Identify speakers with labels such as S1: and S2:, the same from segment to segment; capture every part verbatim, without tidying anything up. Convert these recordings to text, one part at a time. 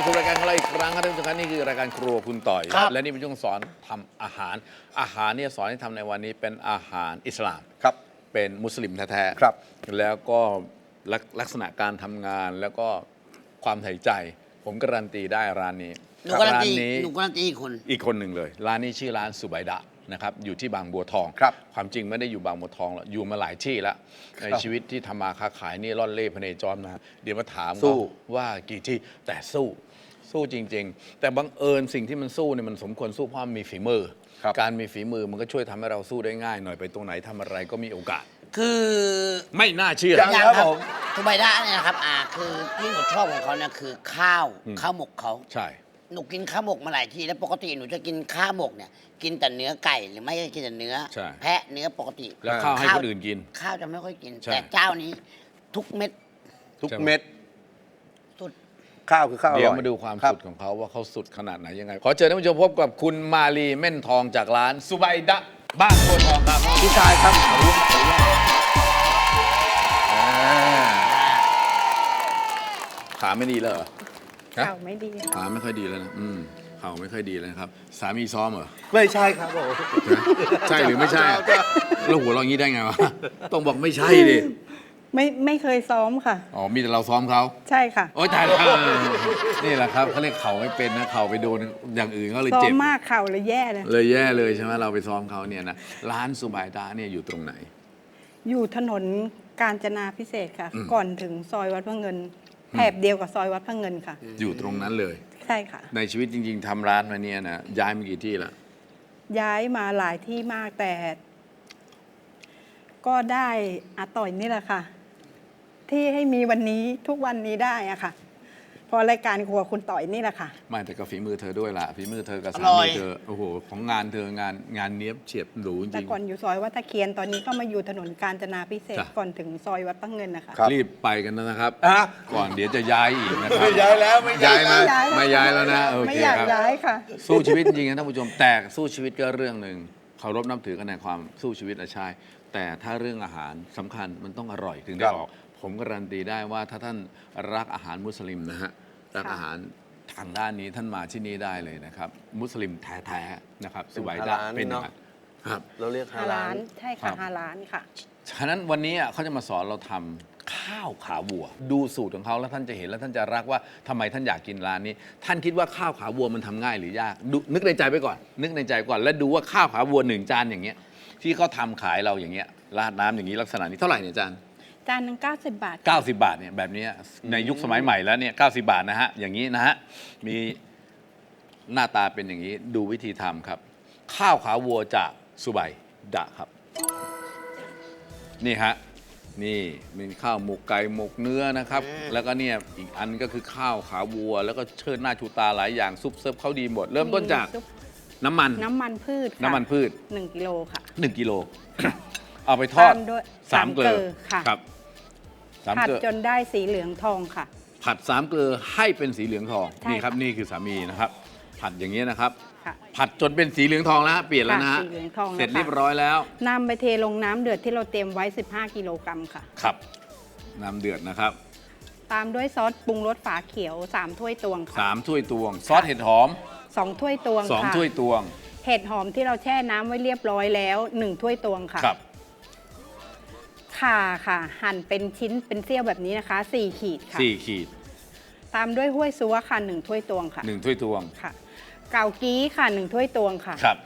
S1: มาสู่รายการของเราอีกครั้งครับท่านผู้ชมครับนี่คือรายการครัวคุณต่อย และนี่เป็นช่วงสอนทำอาหาร อาหารเนี่ยสอนให้ทำในวันนี้เป็นอาหารอิสลาม
S2: ครับ
S1: เป็นมุสลิมแท้ๆ
S2: ครับ
S1: แล้วก็ลักลักษณะการทำงานแล้วก็ความใส่ใจ ผมการันตีได้ร้านนี้
S3: หนูการัน
S1: ร้าน
S3: ตี
S1: นี้
S3: หนูการันตีอีกคน
S1: อีกคนหนึ่งเลย ร้านนี้ชื่อร้านสุไบดะนะครับอยู่ที่บางบัวทอง
S2: ครับ
S1: ความจริงไม่ได้อยู่บางบัวทองหรอกอยู่มาหลายที่แล้วในชีวิตที่ทำมาค้าขายนี่ร่อนเล่พเนจรมาเดี๋ยวมาถาม
S2: สู้
S1: เขาว่ากี่ที่แต่สู้สู้จริง ๆ แต่บังเอิญสิ่งที่มันสู้เนี่ยมันสมควรสู้เพราะมันมีฝีมือ
S2: ครับ
S1: การมีฝีมือมันก็ช่วยทำให้เราสู้ได้ง่ายหน่อยไปตรงไหนทำอะไรก็มีโอกาส
S3: คือ
S1: ไม่น่าเชื่อ
S2: ยัง ครับผม
S3: ทุบายดะเนี่ยนะครับอ่าคือที่หนูชอบของเขาเนี่ยคือข้าว
S1: อืม
S3: ข้าวหมกเขา
S1: ใช่
S3: หนูกินข้าวหมกมาหลายทีแล้วปกติหนูจะกินข้าวหมกเนี่ยกินแต่เนื้อไก่หรือไม่ก็กินแต่เนื้อ
S1: ใช่
S3: แพะเนื้อปกติ
S1: แล้วข้าวให้คนอื่นกิน
S3: ข้าวจะไม่ค่อยกิน
S1: ใช่
S3: แต่เจ้านี้ทุกเม็ด
S2: ทุก
S1: ใช่ไหม
S2: เม็ด
S3: สุด
S2: ข้าวคือข้าวอร่อย
S1: เดี๋ยวมาดูความ
S2: รับ
S1: สุดของเขาว่าเขาสุดขนาดไหนยังไง ขอเชิญท่านผู้ชมพบกับคุณมาลีเม่นทองจากร้านสุไบดะบ้านโพธิ์ทองครับ
S2: พี่ชายครับขอรู้ขออนุญาตอ่า
S1: ขาไม่ดีเลยเหรอฮะ
S4: เข่าไม่ดีค่ะ
S1: ขาไม่ค่อยดีแล้วนะอืมเข่าไม่ค่อยดีเลยนะครับ สามีซ้อมเหรอ
S2: ไม่ใช่ครับผม
S1: ใช่หรือไม่ใช่อะแล้วหัวเราะอย่างนี้ได้ไงวะ ต้องบอกไม่ใช่ดิ
S4: ไม่ไม่เคยซ้อมค่ะ
S1: อ๋อ มีแต่เราซ้อมเขา
S4: ใช่ค่ะ
S1: โอ๊ยตายแล้วนี่แหละครับเขาเรียกเข่าไม่เป็นนะเข่าไปโดนอย่างอื่นเขาเลย
S4: ซ้อ
S1: เจ็
S4: ม
S1: บ
S4: มากเข่าเลยแย่เลย
S1: เลยแย่เลยใช่ไหมเราไปซ้อมเขาเนี่ยนะร้านสุไบดะเนี่ยอยู่ตรงไหน
S4: อยู่ถนนกาญจนาพิเศษกค่ะ
S1: อืม
S4: ก่อนถึงซอยวัดพระเงินแถบเดียวกับซอยวัดพระเงินค่ะ
S1: อยู่ตรงนั้นเลย
S4: ใช่ค่ะ
S1: ในชีวิตจริง ๆทำร้านมาเนี่ยนะย้ายมากี่ที่ละ
S4: ย้ายมาหลายที่มากแต่ ก็ได้อาต่อยนี่แหละค่ะ ที่ให้มีวันนี้ทุกวันนี้ได้อะค่ะเพอรายการครัวคุณต่อยนี่แหละค่ะ
S1: ไม่แต่ก็ฝีมือเธอด้วยล่ะฝีมือเธอกับ
S3: อ
S1: สา
S3: ร่อ
S1: มี
S3: ย
S1: เธอโอ้โหของงานเธองานงานเนี้ยบเฉียบหรูจ
S4: แต่
S1: ริง
S4: ก่อนอยู่ซอยวัดตะเคียนตอนนี้ก็มาอยู่ถนนกาญจนาพิเศษก
S1: จ้ะ
S4: ก่อนถึงซอยวัดพระเงินนะคะ
S2: ครับ
S1: รีบไปกันนะครับ
S2: อ่ะ
S1: ก่อนเดี๋ยวจะย้ายอีกนะครับ
S2: ไม่ย้ายแล้วไม่ย้า
S1: ย้าย ย
S2: แล้
S1: นะ
S2: ว
S1: ไม่ย้ายแล้วนะโอ
S4: ไม่
S1: เค
S4: อยาก
S1: ครับ
S4: ย้ายค่ะ
S1: สู้ชีวิตจริงๆนะท่านผู้ชมแต่สู้ชีวิตก็เรื่องหนึ่งเคารพนับถือกันในความสู้ชีวิตอะใช่แต่ถ้าเรื่องอาหารสำคัญมันต้องอร่อยถึงได้
S2: ครับ
S1: ออก ผมการันตีได้ว่าถ้าท่านรักอาหารมุสลิมนะฮะรัก
S4: ค่ะ
S1: อาหารทางด้านนี้ท่านมาที่นี่ได้เลยนะครับ มุสลิมแท้ๆนะครับ
S2: เป็น
S1: สุไบ
S2: ฮา
S1: ดะ
S2: ลาล
S1: เป็นอย่าง
S2: เนอะ
S1: นั้นครับ
S2: เราเรียกฮา
S4: ฮา
S2: ลา
S4: ลาน
S2: ล
S4: ใช่
S1: ครั
S4: ค่ะ
S1: บ
S4: ฮาลานค่ะ
S1: ฉะนั้นวันนี้อ่ะเขาจะมาสอนเราทำข้าวขาวัว ดูสูตรของเขาแล้วท่านจะเห็นแล้วท่านจะรักว่าทำไมท่านอยากกินร้านนี้ ท่านคิดว่าข้าวขาวัวมันทำง่ายหรือยากดูนึกในใจไปก่อน นึกในใจก่อน แล้วดูว่าข้าวขาวัวหนึ่งจานอย่างเงี้ยที่เขาทำขายเราอย่างเงี้ยราดน้ำอย่างนี้ลักษณะนี้เท่าไหร่เนี่ยจาน
S4: จานหนึงเก้าสิบบาท
S1: 90 บาทเนี่ยแบบนี้ในยุคสมัยใหม่แล้วเนี่ยเก้าสิบบาทนะฮะอย่างนี้นะฮะมีหน้าตาเป็นอย่างนี้ดูวิธีทำครับ ข้าวขาวัวจากสุไบดะครับ นี่ฮะนี่มีข้าวหมกไก่หมกเนื้อนะครับ แล้วก็เนี่ยอีกอันก็คือข้าวขาวัว แล้วก็เชิดหน้าชูตาหลายอย่างซุปเซิร์ฟเขาดีหมด เริ่มต้นจาก
S4: มีซุป
S1: น้ำมัน
S4: น้ำมันพืชค่ะ
S1: น้ำมันพืช
S4: หนึ่งกิโลค่ะ
S1: 1กิโล เอาไปทอด
S4: ตามด้วย
S1: สามเกลือ
S4: สามเกลือค่ะ
S1: ครับสาม
S4: ผัด
S1: เกลือ
S4: จนได้สีเหลืองทองค่ะ
S1: ผัดสามเกลือให้เป็นสีเหลืองทอง
S4: ใช่
S1: นี่ครับ
S4: ค่ะ
S1: นี่คือสามีนะครับ ผัดอย่างนี้ยนะครับ
S4: ค่ะ
S1: ผัดจนเป็นสีเหลืองทองแล้วฮะเปลี่ยนแล้วนะฮะ
S4: ค่ะสีเหลืองทองแล้ว
S1: เสร็จ
S4: ค่ะ
S1: เรียบร้อยแล้ว
S4: นำไปเทลงน้ำเดือดที่เราเตรียมไว้ สิบห้า กิโลกรัมค่ะ
S1: ครับน้ำเดือดนะครับ
S4: ตามด้วยซอสปรุงรสฝาเขียว สาม ถ้วยตวงค่ะ
S1: สามถ้วยตวง ซอสเห็ดหอม
S4: สอง ถ้วยตวง
S1: สอง
S4: ค่ะ
S1: ถ้วยตวง
S4: เห็ดหอมที่เราแช่น้ำไว้เรียบร้อยแล้วหนึ่งถ้วยตวงค่ะ
S1: ครับ
S4: ข่าค่ะ หั่นเป็นชิ้นเป็นเสี้ยวแบบนี้นะคะสี่ขีดค่ะ
S1: สี่ขีด
S4: ตามด้วยห้วยซัวค่ะหนึ่งถ้วยตวงค่ะ
S1: หนึ่งถ้วยตวง
S4: ค่ะ เกากี้ค่ะหนึ่งถ้วยตวงค่ะ
S1: ครับ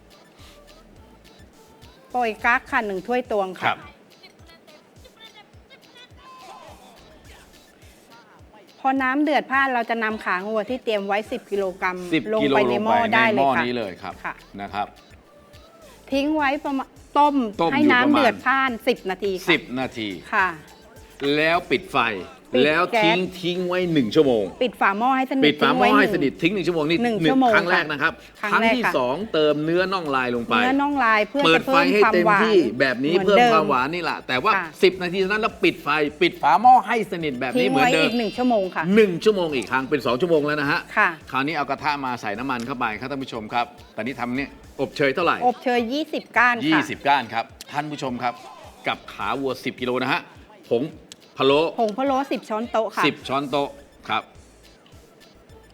S4: โปยกั๊กค่ะหนึ่งถ้วยตวง
S1: ครั
S4: ค่ะ
S1: บ
S4: พอน้ำเดือดพล่านเราจะนำขางัวที่เตรียมไว้ สิบ กิโลกรัม
S1: สิบ
S4: ลง
S1: กิโล
S4: ไป
S1: ล
S4: ใน
S1: ง
S4: ห
S1: ไป
S4: ม้อ
S1: ใน
S4: ได้
S1: ห
S4: เล
S1: ม้
S4: ย
S1: อ
S4: ค่ะ
S1: นี้เลยครับ
S4: ค่ะ
S1: นะครับ
S4: ทิ้งไว้ประมาณต้ม
S1: ต้ม
S4: ให้
S1: อยู่
S4: น้ำ
S1: ประมาณ
S4: เดือดพล่าน สิบ นาทีค่ะ
S1: สิบนาที
S4: ค่ะ
S1: แล้วปิดไฟ
S4: ปิด
S1: แล้ว
S4: แก๊ส
S1: ทิ้งทิ้งไว้หนึ่งชั่วโมง
S4: ปิดฝาหม้อให้สนิท
S1: ปิดฝาหม้อ
S4: ทิ้งไว้
S1: ให้
S4: นึ่ง
S1: สนิททิ้งหนึ่งชั่วโมงนี่
S4: หนึ่งชั่วโมง
S1: ครั้งแรก
S4: ค่ะ
S1: นะครับ
S4: ครั้ง
S1: ครั้ง
S4: แรก
S1: ที่
S4: ค่ะ
S1: สองเติมเนื้อน่องลายลงไป
S4: เนื้อน่องลายเพื่อ
S1: เปิด
S4: จะ
S1: ไฟ
S4: เพิ่ม
S1: ให้
S4: ความ
S1: เต็ม
S4: หวาน
S1: ที่แบบนี้
S4: ห
S1: เพิ่ม
S4: ดิ
S1: ความหวานนี่แหละแต่ว่า
S4: ค่ะ
S1: สิบนาทีเท่านั้นแล้วปิดไฟ ปิดฝาหม้อให้สนิทแบบนี้
S4: ทิ้ง
S1: เหมือน
S4: ไว้
S1: เดิ
S4: อี
S1: ม
S4: กหนึ่งชั่วโมงค่ะ
S1: หนึ่งชั่วโมงอีกครั้งเป็นสองชั่วโมงแล้วนะฮะ
S4: ค่ะ
S1: คราวนี้เอากระทะมาใส่น้ำมันเข้าไปครับท่านผู้ชมครับตอนนี้ทำเนี่ยอบเชยเท่าไหร่
S4: อบเชยยี่สิบ ก้านค่ะ
S1: ยี่สิบก้านครับท่านผู้ชมครับ กับขาวัวสิบกิโลนะฮะผงพะโล้
S4: ผงพะโล้สิบ ช้อนโต๊ะค่ะ
S1: สิบช้อนโต๊ะครับ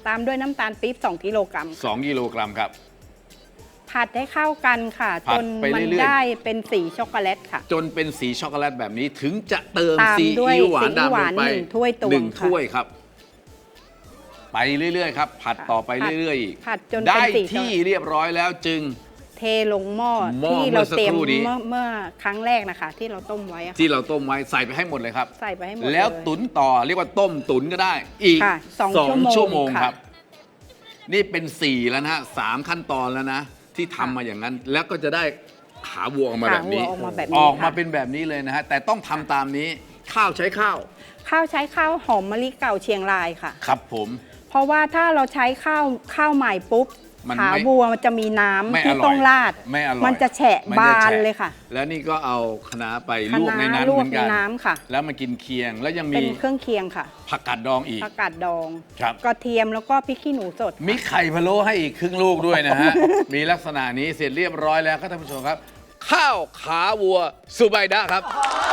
S4: ตามด้วยน้ำตาลปี๊บสองกิโลกรัม
S1: สองกิโลกรัมครับ
S4: ผัดให้เข้ากันค่ะ
S1: ผั
S4: จ
S1: ด
S4: น
S1: ไป
S4: มัน
S1: เรื่อยๆ
S4: ได้เป็นสีช็อกโกแลตค่ะ
S1: จนเป็นสีช็อกโกแลตแบบนี้ถึงจะเติม
S4: ตาม
S1: ซี
S4: ด้วย
S1: อิ๊วหวาน
S4: ซีอิ๊วห
S1: ดำล
S4: วาง น
S1: ไป
S4: หนึ่งถ้วยตวง
S1: หนึ่ง
S4: ค่ะ
S1: ถ้วยครับ ไปเรื่อยๆครับ ผัด
S4: ค่ะ
S1: ต่อไป
S4: ผัด
S1: เรื่อยๆอีก
S4: ผัดจนเป็น
S1: ได้
S4: สีช็อก
S1: ที่เรียบร้อยแล้วจึง
S4: เทลงหม้อ
S1: หม้อ
S4: ที่เราเตรียม
S1: เมื่อสักครู่นี้
S4: เมื่อเมื่อครั้งแรกนะคะ ที่เราต้มไว้อะค่ะ
S1: ที่เราต้มไว้ใส่ไปให้หมดเลยครับ
S4: ใส่ไปให้หมด
S1: แล้ว
S4: เย
S1: ตุ๋นต่อเรียกว่าต้มตุ๋นก็ได้ อีก
S4: ค่ะสอง
S1: สอง
S4: ชั่
S1: ชั่ว
S4: ว
S1: โม
S4: โม
S1: ง
S4: ง
S1: ครับ
S4: ค่ะ
S1: นี่เป็นสี่แล้วนะฮะสามขั้นตอนแล้วนะ ที่ทำมาอย่างนั้น แล้วก็จะได้ขาวัวออกมาแบบนี้
S4: ขาวัวออกมาแบบนี้
S1: ออกมา
S4: ค่ะ
S1: เป็นแบบนี้เลยนะฮะแต่ต้องทำตามนี้ข้าวใช้ข้าว
S4: ข้าวใช้ข้าวหอมมะลิเก่าเชียงรายค่ะ
S1: ครับผม
S4: เพราะว่าถ้าเราใช้ข้าวข้าวใหม่ปุ๊บ
S1: มัน
S4: ขา
S1: ไม่
S4: วัวมันจะมีน้ำ
S1: ไม่อ
S4: ที่
S1: ร่อย
S4: ต้องราด
S1: ไม่อร่อย
S4: มันจะแฉะ
S1: มัน
S4: บา
S1: จะ
S4: น
S1: แฉะ
S4: เลยค่ะ
S1: แล้วนี่ก็เอาคะน้าไป
S4: คะ
S1: ลวกใน
S4: น้า
S1: นั้น
S4: ล
S1: เห
S4: ว
S1: มื
S4: ก
S1: อน
S4: ใน
S1: กัน
S4: น้ำค่ะ
S1: แล้วมากินเคียงแล้วยัง
S4: เป็
S1: มี
S4: นเครื่องเคียงค่ะ
S1: ผักกาดดองอีก
S4: ผักกาดดอง
S1: ครับ
S4: กระเทียมแล้วก็พริกขี้หนูสด
S1: มีไข่พะโล้ให้อีกครึ่งลูกด้วยนะฮะ มีลักษณะนี้เสร็จเรียบร้อยแล้วครับท่านผู้ชมครับ ข้าวขาวัวสุไบดะครับ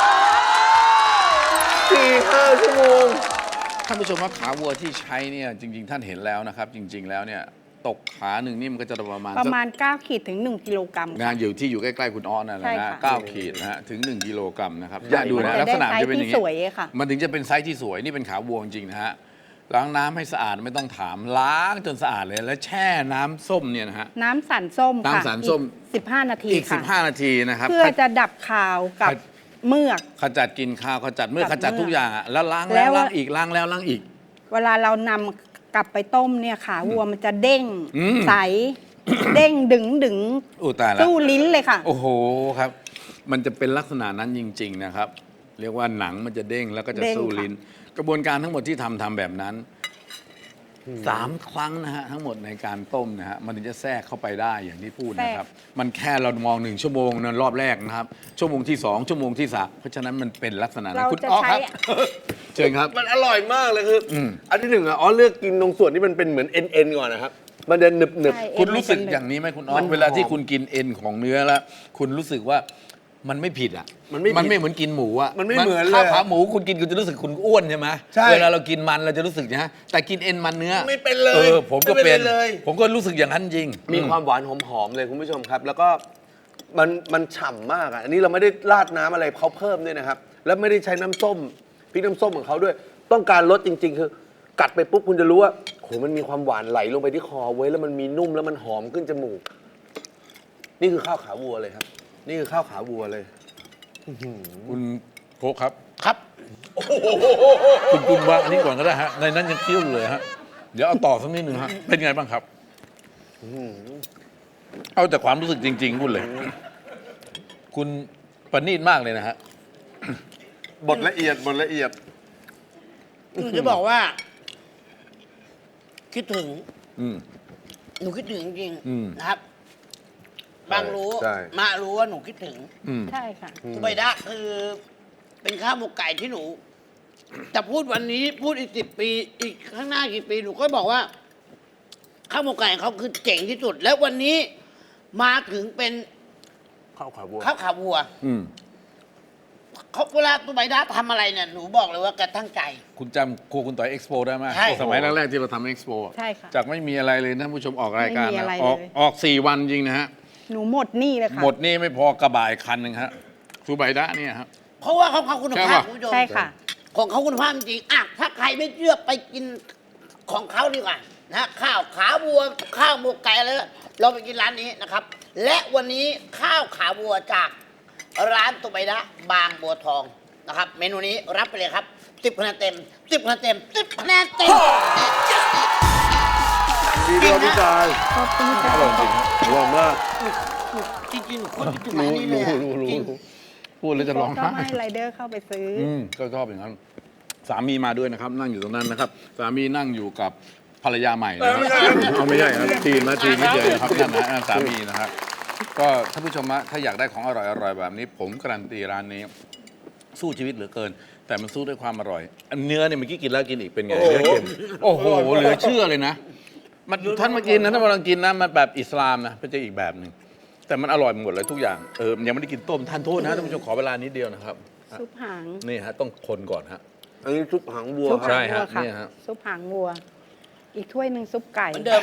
S2: สี่ห้าชั่วโมง
S1: ท่านผู้ชมว่าขาวัวที่ใช้เนี่ยจริง ๆ ท่านเห็นแล้วนะครับ จริง ๆ แล้วเนี่ยตกขาหนึ่งนี่มันก็จะประมาณ
S4: ประ
S1: สัก
S4: มาณเก้าขีดถึงหนึ่งกิโลกรัม
S1: งานอยู่ที่อยู่ใกล้ ๆ คุณอ้อนนั่นแหละ
S4: ใช่
S1: นะ
S4: ค่ะ
S1: เก้าขีดนะฮะถึง หนึ่ง กิโลกรัมนะครับ
S2: ใหญ่
S1: ดูนะ
S4: มันจะ
S1: ลักษณะ
S4: ได้
S1: จะเป็นอย่าง
S4: ไซส์ที่สวยค่ะ
S1: มันถึงจะเป็นไซส์ที่สวยนี่เป็นขาวัวจริงๆนะฮะล้างน้ำให้สะอาดไม่ต้องถามล้างจนสะอาดเลยแล้วแช่น้ำส้มเนี่ยนะฮะ
S4: น้ำสันส้มค่ะ
S1: น้ำสันส้ม
S4: สิบห้านาที
S1: อีก
S4: ค่ะ
S1: สิบห้า นาทีนะครับ
S4: เพื่อจะดับคาวกับ
S1: ข
S4: เมือก
S1: ขจัดกลินข้าวขจัดเมื่อก
S4: กับ
S1: ขจัดทุก
S4: เมือก
S1: อย่างอะแล้วล้าง
S4: แล้
S1: แล้ว
S4: ว
S1: ล้างอีกล้างแล้วล้างอีก
S4: เวลาเรานำกลับไปต้มเนี่ยขาวัวมันจะเด้ง
S1: อืม
S4: ใส เด้งดึงดึง
S1: อู้ตายแล้ว
S4: สู้ลิ้นเลยค่ะ
S1: โอ้โหครับ มันจะเป็นลักษณะนั้นจริง ๆ นะครับ เรียกว่าหนังมันจะเด้งแล้วก็จะ
S4: เด้ง
S1: สู้
S4: ค่ะ
S1: ลิ้น กระบวนการทั้งหมดที่ทำทำแบบนั้นสามครั้งนะฮะทั้งหมดในการต้มนะฮะมันถึงจะแทรกเข้าไปได้อย่างที่พูดนะครับ มันแค่เรามองหนึ่งชั่วโมงนั้นรอบแรกนะครับ ชั่วโมงที่สองชั่วโมงที่สามเพราะฉะนั้นมันเป็นลักษณะนั้น
S4: เรา
S1: คุณ
S4: จะ
S1: อ้อ
S4: ใช้
S1: ครับ เชิญครับ
S2: มันอร่อยมากเลยคือ
S1: อืม
S2: อันที่หนึ่งอ่ะอ๋อเลือกกินตรงส่วนที่มันเป็นเหมือนเอ็นเอ็นก่อนนะครับ มันจะหนึบหนึบ
S4: ใช่
S1: คุณรู้สึก
S4: เอ็นมันจะ
S1: อย่างนี้ไหมคุณอ้อ
S2: มัน
S1: เวลาที่
S2: หอม
S1: คุณกินเอ็นของเนื้อแล้ว คุณรู้สึกว่ามันไม่ผิดอ่ะ
S2: มันไม่ผิด
S1: มันไม่เหมือนกินหมูอ่ะ
S2: มันไม่เหมือนเลย
S1: ข้าวขาหมูคุณกินคุณจะรู้สึกคุณอ้วนใช่ไหม
S2: ใช่
S1: เวลาเรากินมันเราจะรู้สึกนะฮะแต่กินเอ็นมันเนื้อ
S2: ไม่เป็นเลย
S1: เออผมก็
S2: ไม่
S1: เป็
S2: เป็น นเลย
S1: ผมก็รู้สึกอย่างนั้นจริง
S2: มีความหวานหอมๆเลยคุณผู้ชมครับ แล้วก็มันมันฉ่ำมากอ่ะอันนี้เราไม่ได้ราดน้ำอะไรเขาเพิ่มด้วยนะครับ แล้วไม่ได้ใช้น้ำส้มพริกน้ำส้มของเขาด้วย ต้องการรสจริง ๆ คือ กัดไปปุ๊บคุณจะรู้ว่าโหมันมีความหวานไหลลงไปที่คอเว้ยแล้วมันมีนุ่มแล้วมันหอมขึ้นจมูก นี่คือข้าวขาวัวเลยครับ นี่คือข้าวขาวัวเลย
S1: คุณโคกครับ
S3: ครับ
S1: คุณคุณวางอันนี้ก่อนก็ได้ฮะในนั้นยังเคี้ยวอยู่เลยฮะเดี๋ยวเอาต่อสักนิดหนึ่งฮะเป็นไงบ้างครับเอาแต่ความรู้สึกจริงๆพูดเลย คุณประณีตมากเลยนะฮะ
S2: บดละเอียดบดละเอียด
S3: หนูจะบอกว่า คิดถึง
S1: อืม
S3: หนูคิดถึงจริง
S1: อืม
S3: ๆนะครับ บางรู้
S2: ใช่
S3: มารู้ว่าหนูคิดถึง
S1: อืม
S4: ใช่ค่ะ
S3: สุไบดะคือ เป็นข้าวหมกไก่ที่หนูจะพูดวันนี้พูดอีกสิบปี อีกข้างหน้ากี่ปีหนูก็บอกว่า ข้าวหมกไก่ของเขาคือเจ๋งที่สุด แล้ววันนี้มาถึงเป็น
S2: ข้าวขาวัว
S3: ข้าวขาวัว
S1: อืม
S3: เขาเวลาสุไบดะทำอะไรเนี่ยหนูบอกเลยว่าแกตั้งใจ
S1: คุณจำครัวคุณต่อยเอ็กซ์โปได้ไหม
S3: ใช่
S1: สมัยแรกๆที่เราทำเอ็กซ์โป
S4: ใช่ค่ะ
S1: จากไม่มีอะไรเลยนะท่านผู้ชมออกรายการ
S4: ไม่มี
S1: นะ
S4: อะไร
S1: ออก
S4: เลย
S1: ออกสี่วันจริงนะฮะ
S4: หนูหมดหนี่เลยค่ะ
S1: หมดนี่ไม่พอกระบะอีกคันหนึ่งฮะซูไบดะเนี่ยฮะ
S3: เพราะว่าเขาเขาคุณ
S1: ใช่
S3: ภาพ
S1: ปะ
S3: คุณผู้ชม
S4: ใช่ค่ะ
S3: ของเขาคุณภาพจริงๆอ่ะถ้าใครไม่เชื่อไปกินของเขาดีกว่านะข้าวขาวัว ข้าวหมกไก่อะไรเราไปกินร้านนี้นะครับ และวันนี้ข้าวขาวัวจากร้านตุไบดะบางบัวทองนะครับ เมนูนี้รับไปเลยครับสิบคะแนนเต็มสิบคะแนนเต็มสิบคะแนนเต็ม
S2: ดีด้วยพี่ชาย
S4: ขอบคุณค่ะ
S1: อร่อยจริงฮะ
S2: อร่อยมาก
S3: จริงๆหนูคนคิดถึงร้านนี้เลยอะ
S2: รู้รู้
S3: จริง
S2: รู้
S1: พูดแล้วจะร้อง
S4: ก็
S1: ไห้
S4: ให้ไรเดอร์เข้าไปซื้ออ
S1: อืมก็ชอบอย่างนั้น สามีมาด้วยนะครับ นั่งอยู่ตรงนั้นนะครับ สามีนั่งอยู่กับภรรยาใหม่นะครับเอาไม่ใช่ครับทีมนะทีมไม่เจอนะครับนั่นนะนั่นสามีนะครับก็ท่านผู้ชมฮะถ้าอยากได้ของอร่อยอร่อยแบบนี้ ผมการันตีร้านนี้ สู้ชีวิตเหลือเกิน แต่มันสู้ด้วยความอร่อยอันเนื้อเนี่ยเมื่อกี้กินแล้วกินอีกเป็นไงเนื้อเค็มโอ้โหเหลือเชื่อเลยนะมันท่านมากินนะท่านมาลองกินนะมันแบบอิสลามนะเป็นจะอีกแบบหนึ่งแต่มันอร่อยหมดเลยทุกอย่างเออยังไม่ได้กินต้มทานโทษนะท่านผู้ชมขอเวลานิดเดียวนะครับ
S4: ซุปหาง
S1: นี่ฮะต้องคนก่อนฮะ
S2: อันนี้ซุปหางวัว
S4: ซุป
S2: ครับ
S1: ใช่
S4: หางวัว
S1: ฮะ
S4: ค่ะ
S1: เนี่ยฮะ
S4: ซุปหางวัวอีกถ้วยหนึ่งซุปไก่
S3: เหมือนเดิม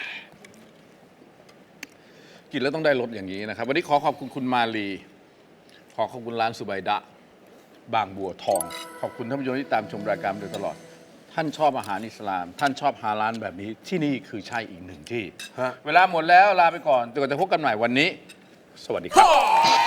S1: กินแล้วต้องได้รสอย่างนี้นะครับ วันนี้ขอขอบคุณคุณมาลี ขอขอบคุณร้านสุไบดะ บางบัวทอง ขอบคุณท่านผู้ชมที่ตามชมรายการมาโดยตลอด ท่านชอบอาหารอิสลาม ท่านชอบฮาลาลแบบนี้ที่นี่คือใช่อีกหนึ่งที่
S2: ฮะ
S1: เวลาหมดแล้วลาไปก่อนจนกว่าจะพบกันใหม่วันนี้ สวัสดีครับ